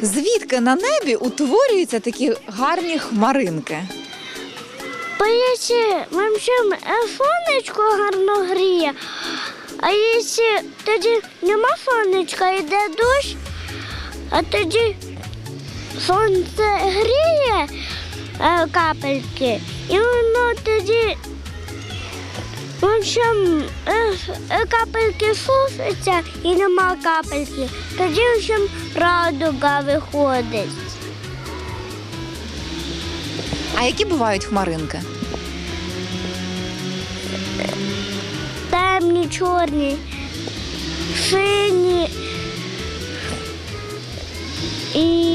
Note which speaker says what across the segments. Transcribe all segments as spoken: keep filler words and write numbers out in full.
Speaker 1: Звідки на небі утворюються такі гарні хмаринки?
Speaker 2: Бо якщо вообще сонечко гарно гріє, а якщо тоді нема сонечка, йде дощ, а тоді сонце гріє е, капельки, і воно тоді в общем, е, е, капельки сушаться і нема капельки, тоді в общем, радуга виходить.
Speaker 1: А які бувають хмаринки?
Speaker 2: Темні, чорні, сині і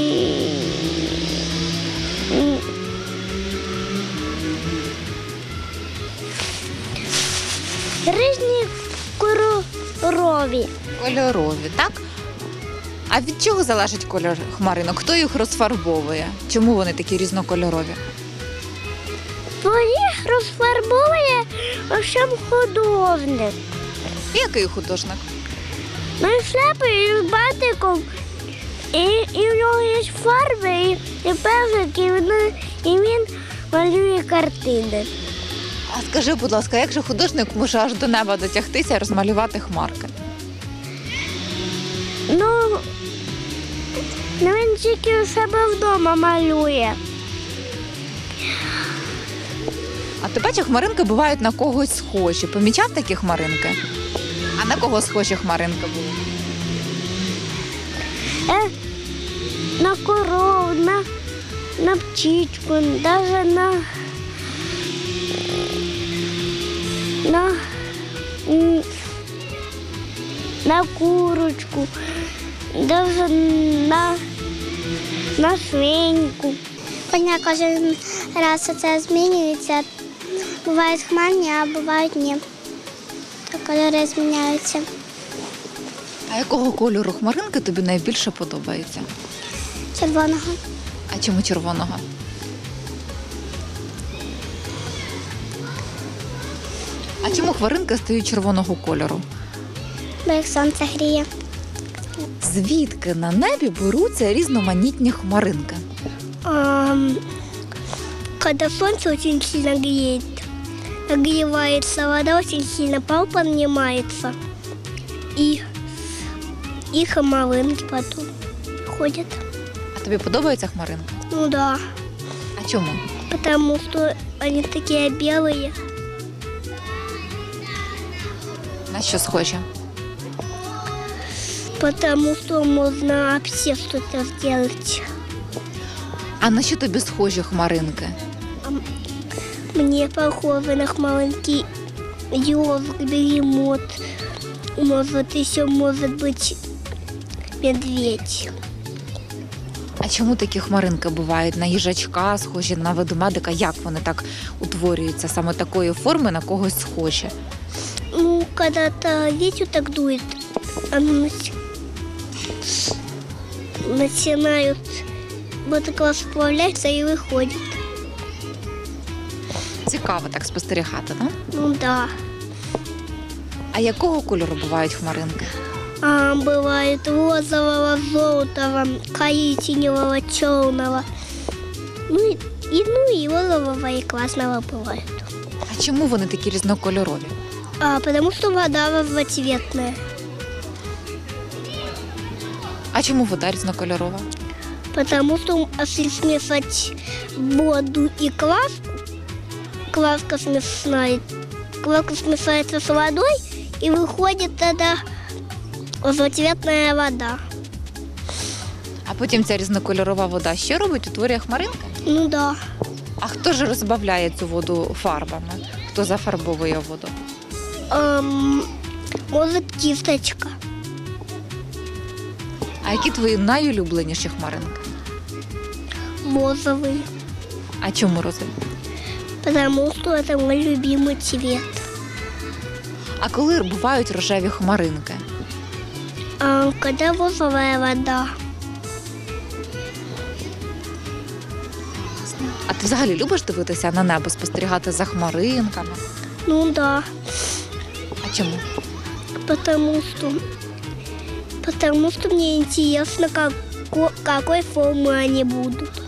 Speaker 2: і- різні кольорові.
Speaker 1: Кольорові, так? А від чого залежить кольор хмаринок? Хто їх розфарбовує? Чому вони такі різнокольорові?
Speaker 2: Бо їх розфарбує в общем, художник.
Speaker 1: Який художник?
Speaker 2: Ну і шляпою, і з батиком, і, і в нього є фарби, і, і пензлик, і, він- і він малює картини.
Speaker 1: А скажи, будь ласка, як же художник може аж до неба дотягтися і розмалювати хмарки?
Speaker 2: Ну, ну він тільки у себе вдома малює.
Speaker 1: А ти бачиш, хмаринки бувають на когось схожі. Помічав такі хмаринки? А на кого схожі хмаринки були?
Speaker 2: Е, на корову, на, на птичку, навіть на, на, м, на курочку, навіть на, на свиньку.
Speaker 3: Коня кожен раз це змінюється. Бувають хмарні, а бувають ні. То кольори зміняються.
Speaker 1: А якого кольору хмаринки тобі найбільше подобається?
Speaker 3: Червоного.
Speaker 1: А чому червоного? А чому хмаринки стають червоного кольору?
Speaker 3: Бо як сонце гріє.
Speaker 1: Звідки на небі беруться різноманітні хмаринки?
Speaker 2: Ам, Когда солнце очень сильно греет, нагревается вода, очень сильно пар поднимается, и, и хмаринки потом ходят.
Speaker 1: А тобі подобаються хмаринки?
Speaker 2: Ну да,
Speaker 1: А чому?
Speaker 2: потому что они такие белые.
Speaker 1: На що схожі?
Speaker 2: Потому что можно вообще что-то сделать.
Speaker 1: А на що тобі схожі хмаринки?
Speaker 2: Мне похоже на хмаринки ежик, бегемот. Может, еще может быть медведь.
Speaker 1: А чому такі хмаринки бувають? На їжачка схожі, на ведмедика? Як вони так утворюються? Саме такої форми на когось схожі?
Speaker 2: Ну, когда-то ветер так дует, они начинают вот так расплавляться и выходят.
Speaker 1: Цікаво так спостерігати, так?
Speaker 2: Ну да.
Speaker 1: А якого кольору бувають хмаринки?
Speaker 2: А, бывает розового, желтого, коричневого, черного. Ну и, и, ну и розового и красного бывает.
Speaker 1: А чому вони такі різнокольорові?
Speaker 2: А, потому что вода разноцветная.
Speaker 1: А чому вода різнокольорова?
Speaker 2: Потому что если смешать воду и краску, краска смешает, краска смешается с водой и выходит тогда разноцветная вода.
Speaker 1: А потім ця різнокольорова вода що робить? Утворює хмаринки?
Speaker 2: Ну да.
Speaker 1: А хто ж розбавляє цю воду фарбами? Хто зафарбовує воду?
Speaker 2: Эм, может, кисточка.
Speaker 1: А які твої найулюбленіші хмаринки?
Speaker 2: Розовый.
Speaker 1: А чому розові?
Speaker 2: Потому что это мой любимый цвет.
Speaker 1: А коли бувають рожеві хмаринки?
Speaker 2: А, когда розовая вода.
Speaker 1: А ти взагалі любиш дивитися на небо, спостерігати за хмаринками?
Speaker 2: Ну да.
Speaker 1: А чому?
Speaker 2: Потому что, потому что мне интересно, как, ко- какой формы они будут.